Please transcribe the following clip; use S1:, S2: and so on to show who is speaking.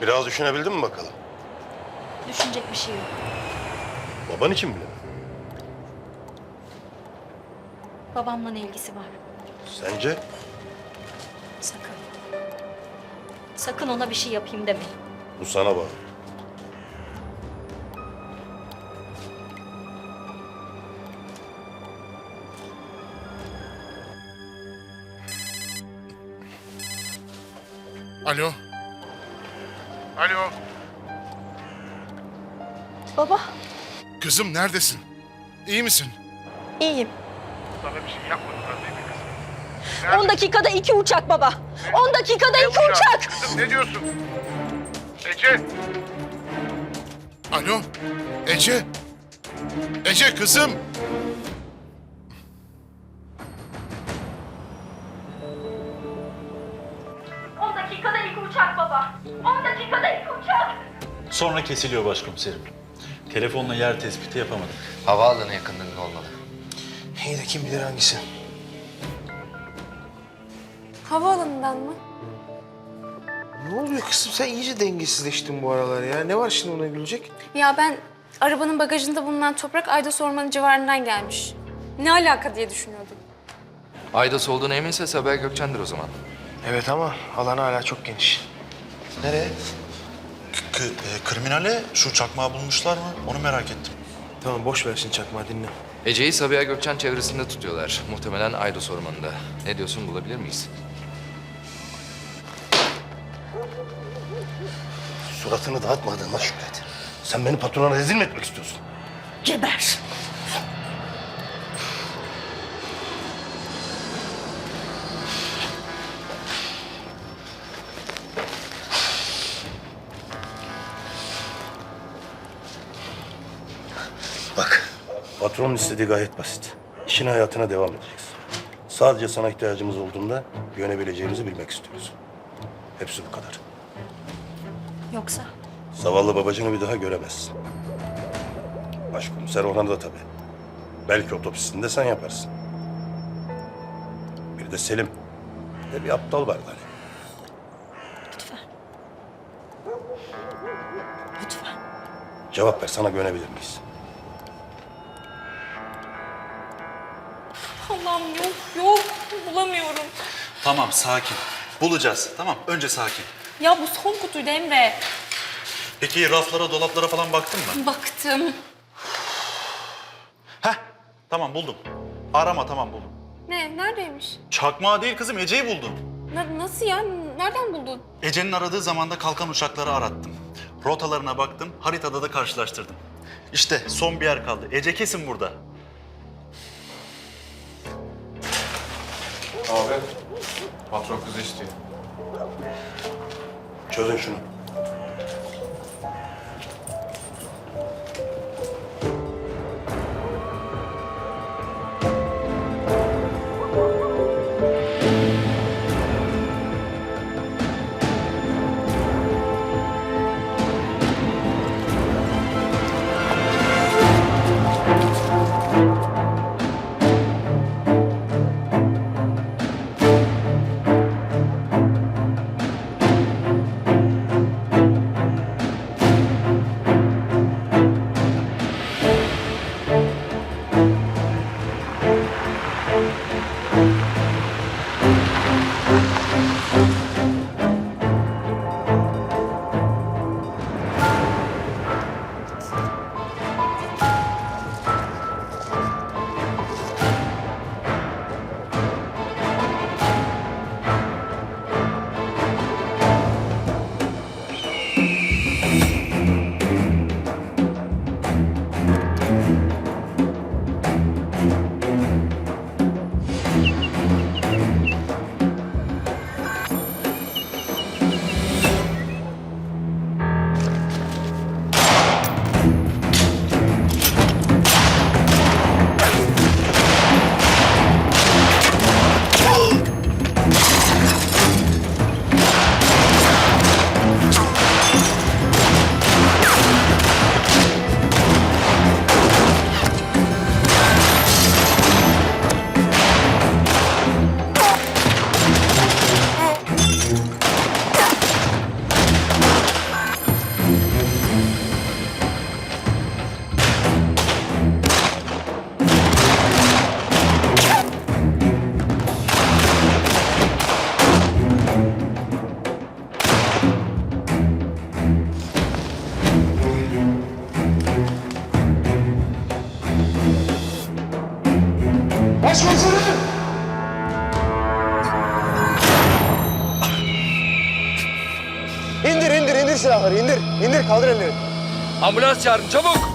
S1: Biraz düşünebildin mi bakalım?
S2: Düşünecek bir şey yok.
S1: Baban için bile.
S2: Babamla ne ilgisi var?
S1: Sence?
S2: Sakın. Sakın ona bir şey yapayım demeyin.
S1: Bu sana bağlı.
S3: Alo. Alo.
S2: Baba,
S3: Kızım neredesin? İyi misin?
S2: iyiyim.
S3: Sana bir şey yapmadılar değil mi kızım?
S2: 10 dakikada 2 uçak baba. 10 dakikada 2 uçak.
S3: Kızım ne diyorsun? Ece. Alo. Ece. Ece kızım.
S2: Dakikada 2 uçak baba. 10 dakikada 2 uçak.
S4: Sonra kesiliyor başkomiserim. Telefonla yer tespiti yapamadık.
S5: Havaalanı yakınlığında olmalı.
S6: İyi de kim bilir hangisi?
S7: Havaalanından mı?
S6: Ne oluyor kızım? Sen iyice dengesizleştin bu aralar ya. Ne var şimdi ona gülecek?
S7: Ya ben arabanın bagajında bulunan toprak Aydos Ormanı civarından gelmiş. Ne alaka diye düşünüyordum.
S5: Aydos olduğuna eminse Sabiha Gökçen'dir o zaman.
S6: Evet ama alan hala çok geniş. Nereye?
S4: Kriminale şu çakmağı bulmuşlar mı? Onu merak ettim.
S6: Tamam boş ver şimdi çakmağı dinle.
S5: Ece'yi Sabiha Gökçen çevresinde tutuyorlar. Muhtemelen Aydos Ormanı'nda. Ne diyorsun, bulabilir miyiz?
S1: Suratını dağıtmadığına şükret. Sen beni patrona rezil mi etmek istiyorsun?
S2: Geber.
S1: Bak, patronun istediği gayet basit. İşine hayatına devam edeceksin. Sadece sana ihtiyacımız olduğunda yönebileceğimizi bilmek istiyoruz. Hepsi bu kadar.
S2: Yoksa
S1: Zavallı babacığını bir daha göremezsin. Başkomiser Orhan da tabii. Belki otopsisini de sen yaparsın. Bir de Selim. Bir de bir aptal var hani.
S2: lütfen. Lütfen.
S1: Cevap ver, sana güvenebilir miyiz?
S7: Allah'ım yok bulamıyorum.
S4: Tamam, sakin. Bulacağız. Tamam, önce sakin.
S7: Ya bu son kutuydu Emre.
S4: Peki raflara, dolaplara falan baktın mı?
S7: Baktım.
S4: Heh, tamam buldum. Arama, tamam buldum.
S7: Ne? Neredeymiş?
S4: Çakmağı değil kızım, Ece'yi buldum.
S7: Nasıl ya? Nereden buldun?
S4: Ece'nin aradığı zamanda kalkan uçakları arattım. Rotalarına baktım, haritada da karşılaştırdım. İşte son bir yer kaldı. Ece kesin burada.
S8: Abi, patron kızı istiyor.
S1: Çözün şunu.
S6: İndir silahları, indir. İndir, kaldır elleri.
S5: Ambulans çağırın çabuk.